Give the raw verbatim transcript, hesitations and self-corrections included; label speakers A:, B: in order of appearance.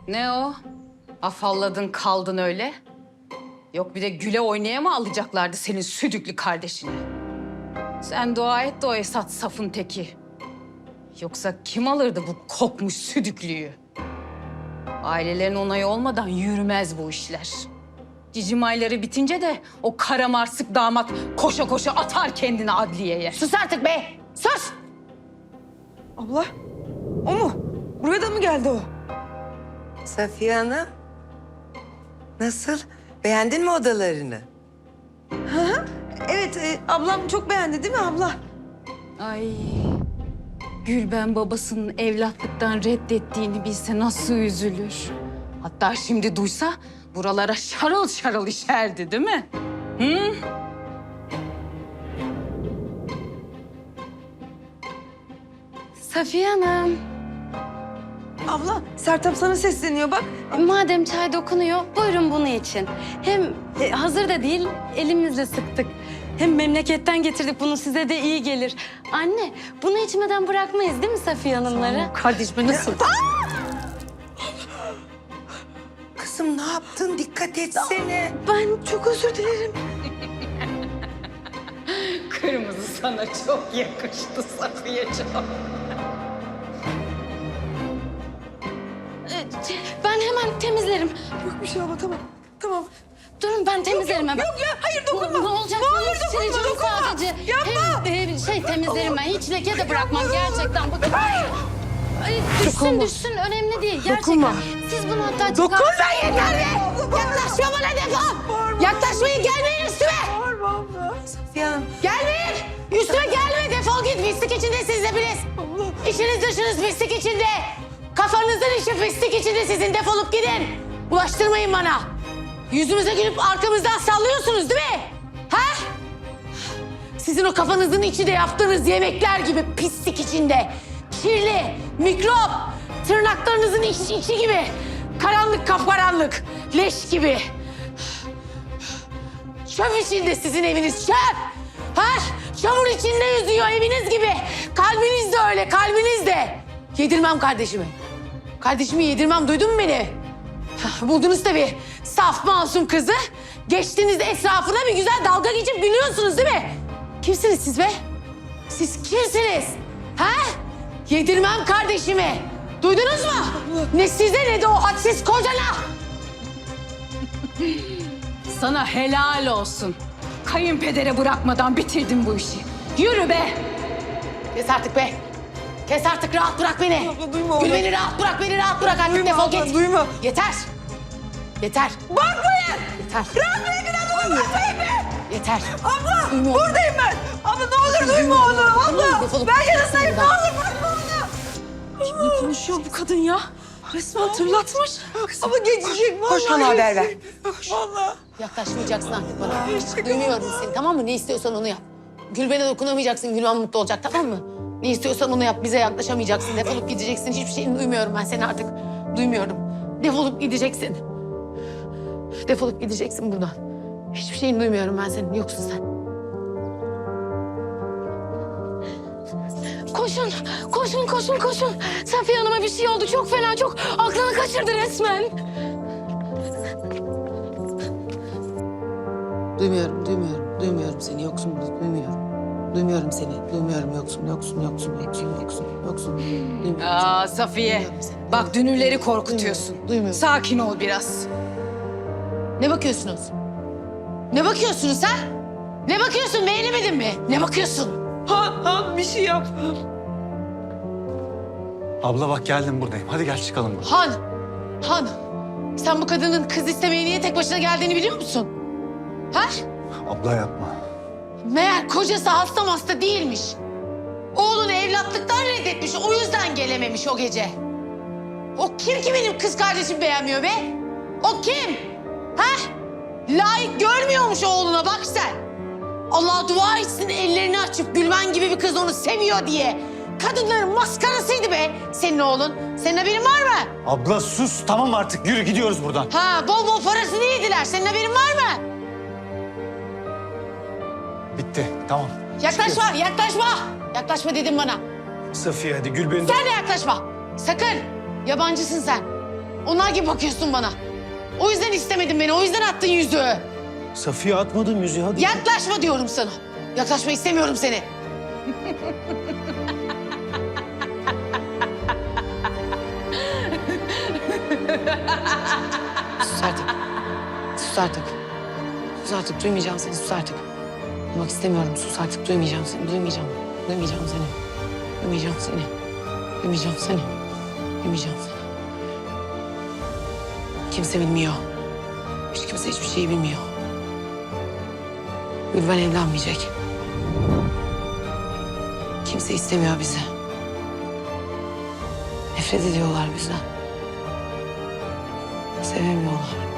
A: Ne o? Afalladın kaldın öyle. Yok bir de güle oynaya mı alacaklardı senin südüklü kardeşini? Sen dua et de o Esat safın teki. Yoksa kim alırdı bu kokmuş südüklüyü? Ailelerin onayı olmadan yürümez bu işler. Cicim ayları bitince de o karamarsık damat koşa koşa atar kendini adliyeye.
B: Sus artık be! Sus!
C: Abla, o mu? Buraya da mı geldi o?
D: Safiye Hanım, nasıl? Beğendin mi odalarını?
C: Evet, e, ablam çok beğendi değil mi abla?
A: Ay, Gülben babasının evlatlıktan reddettiğini bilse nasıl üzülür. Hatta şimdi duysa buralara şarıl şarıl işerdi değil mi? Hı?
B: Safiye Hanım,
C: Abla, Sertab sana sesleniyor bak.
B: madem çay dokunuyor, buyurun bunu için. Hem e, hazır da değil, elimizle sıktık. Hem memleketten getirdik, bunu size de iyi gelir. Anne, bunu içmeden bırakmayız değil mi Safiye Hanımları?
A: Kardeşime nasıl?
D: Kızım ne yaptın? Dikkat etsene.
B: Ben çok özür dilerim.
A: Kırmızı sana çok yakıştı Safiye'ciğim.
B: E, Ben hemen temizlerim.
C: Yok bir şey abla, tamam. Tamam.
B: Durun ben temizlerim hemen.
C: Yok ya, hayır dokunma.
B: Ne olacak?
C: Ne olur
B: Sileceğim
C: dokunma, dokunma.
B: sadece.
C: Yapma.
B: Hem, e, şey temizlerim ben. Hiç leke de bırakmam gerçekten. Bakın. Ay, düşsün
C: Dokunma.
B: düşsün önemli değil. Gerçekten.
C: Dokunma.
B: Siz bunu hatta
C: Dokunma
B: çıkar-
C: yeter be! Yaklaşma bana defol! Yaklaşmayın, gelmeyin üstüme! Bağırma abla.
D: Safiye Hanım,
B: Gelmeyin. Üstüme gelme. Defol git. Pislik içindesiniz hepiniz. İşiniz dışınız pislik içinde. Kafanızın işi pislik içinde sizin. Defolup gidin. Bulaştırmayın bana. Yüzümüze gülüp arkamızdan sallıyorsunuz değil mi? Ha? Sizin o kafanızın içinde yaptığınız yemekler gibi pislik içinde. Kirli, mikrop, tırnaklarınızın iç, içi gibi. Karanlık kapkaranlık, leş gibi. Çöp içinde sizin eviniz, çöp. Ha? Çamur içinde yüzüyor eviniz gibi. Kalbiniz de öyle, kalbiniz de. Yedirmem kardeşimi. Kardeşimi yedirmem, duydun mu beni? Buldunuz tabii saf masum kızı. Geçtiniz etrafına bir güzel dalga geçip gülüyorsunuz değil mi? Kimsiniz siz be? Siz kimsiniz? Ha? Yedirmem kardeşimi. Duydunuz mu? Ne size ne de o hadsiz kocana.
A: Sana helal olsun. Kayınpedere bırakmadan bitirdin bu işi. Yürü be!
B: Kes artık be. Kes artık, rahat bırak beni.
C: Abla, duyma
B: Gül
C: abla.
B: beni rahat bırak, beni rahat bırak. Artık
C: Duyma
B: defol
C: abla,
B: git.
C: duyma.
B: Yeter. Yeter.
C: Bakmayın!
B: Yeter.
C: Bırakmayın bir adamı, bakmayın be!
B: Yeter.
C: Abla,
B: Duymuyorum.
C: buradayım ben. Abla ne olur duyma onu. Abla,
B: Defolup
C: ben
B: git
C: yanındayım. Ne
B: buradan.
C: olur bırakma onu.
A: Ne konuşuyor bu kadın ya? Resmen tırlatmış.
C: Abla geçecek vallahi.
D: koş bana haber ver.
C: Vallahi.
B: Yaklaşmayacaksın artık bana. Duymuyorum seni, tamam mı? Ne istiyorsan onu yap. Gülben'e dokunamayacaksın, Gülben mutlu olacak, tamam mı? Ne istiyorsan onu yap, bize yaklaşamayacaksın. Defolup gideceksin, hiçbir şeyini duymuyorum ben seni artık. Duymuyorum. Defolup gideceksin. Defolup gideceksin buradan. Hiçbir şeyini duymuyorum ben senin, yoksun sen. Koşun, koşun, koşun, koşun. Safiye Hanım'a bir şey oldu, çok fena, çok aklını kaçırdı resmen. Duymuyorum, duymuyorum, duymuyorum seni, yoksun, duymuyorum. Duymuyorum seni, duymuyorum, yoksun, yoksun, yoksun, yoksun, yoksun, yoksun. Duymuyorum.
A: Aa Safiye,
B: Duymuyorum seni.
A: bak dünürleri korkutuyorsun.
B: Duymuyorum, duymuyorum.
A: Sakin ol biraz.
B: Ne bakıyorsunuz? Ne bakıyorsunuz ha? Ne bakıyorsun, beğenemedin mi? Ne bakıyorsun?
C: Han, Han bir şey yap.
E: Abla bak geldim buradayım. Hadi gel çıkalım buradan.
B: Han, Han. Sen bu kadının kız istemeye niye tek başına geldiğini biliyor musun? Ha?
E: Abla yapma.
B: Meğer kocası hasta hasta değilmiş. Oğlunu evlatlıktan reddetmiş, o yüzden gelememiş o gece. O kim ki benim kız kardeşim beğenmiyor be? O kim? Ha? Layık görmüyormuş oğluna, bak sen. Allah dua etsin ellerini açıp Gülben gibi bir kız onu seviyor diye. Kadınların maskarasıydı be senin oğlun. Senin haberin var mı?
E: Abla sus tamam artık yürü gidiyoruz buradan.
B: Ha, bol bol parasını yediler. Senin haberin var mı?
E: Bitti tamam.
B: Yaklaşma, yaklaşma. Yaklaşma dedim bana.
E: Safiye hadi Gülben'i...
B: Sen de yaklaşma. Sakın. Yabancısın sen. Onlar gibi bakıyorsun bana. O yüzden istemedin beni. O yüzden attın yüzüğü.
F: Safiye atmadım yüzüğü hadi.
B: Yaklaşma diyorum sana. Yaklaşma istemiyorum seni. Sus artık. Sus artık. Sus artık. Duymayacağım seni. Sus artık. Duymak istemiyorum. Sus artık. Duymayacağım seni. Duymayacağım. Duymayacağım seni. Duymayacağım seni. Duymayacağım seni. Duymayacağım seni. Kimse bilmiyor. Hiç kimse hiçbir şeyi bilmiyor. Gülben evlenmeyecek. Kimse istemiyor bizi. Nefret ediyorlar bizden. Sevemiyorlar.